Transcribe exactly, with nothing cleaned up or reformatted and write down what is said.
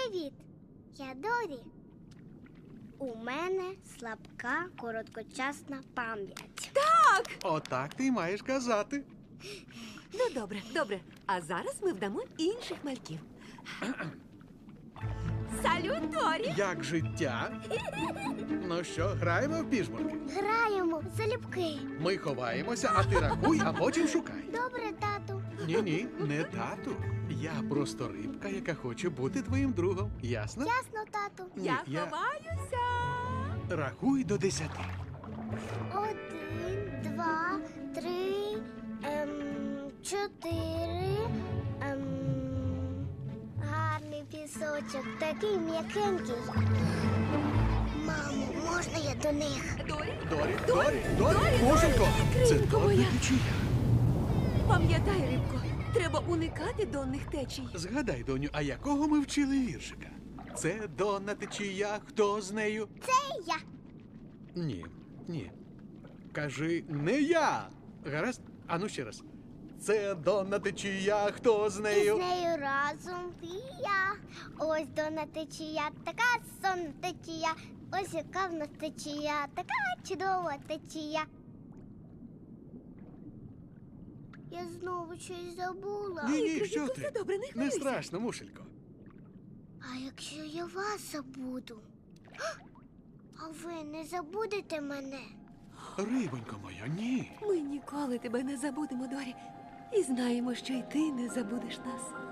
Привіт! Я Дорі. У мене слабка короткочасна пам'ять. Отак ти й маєш казати. Ну, добре, добре. А зараз ми вдамо інших мальків. Салют, Дорі! Як життя? Ну що, граємо в піжмурки? Граємо в залюбки. Ми ховаємося, а ти рахуй, а потім шукай. Добре, тату. Ні-ні, не тату. Я просто рибка, яка хоче бути твоїм другом. Ясно? Ясно, тату. Ні, Я я- ховаюся. Рахуй до десяти. Один, два, три, ем, чотири. Ем, гарний пісочок, такий м'якенький. Мамо, можна я до них? Дорі, Дорі, Дорі, Дорі, Дорі, Дорі, Мушенько! Дорі, Це кринько донна моя. течія. пам'ятай, рибко, треба уникати донних течій. Згадай, доню, а якого ми вчили віршика? Це донна течія, хто з нею? Це я. Ні, ні. Кажи, не я. Гаразд? Ану ще раз. Це донна течія, хто з І з нею? нею разом і я. Ось донна течія, така сонна течія. Ось яка в нас течія, така чудова течія. Я знову щось забула. Ні, ні, Кринько, що все ти? добре, не Не хвилюйся. страшно, мушелько. А якщо я вас забуду? А ви не забудете мене? Рибонько моя, ні. Ми ніколи тебе не забудемо, Дорі. І знаємо, що й ти не забудеш нас.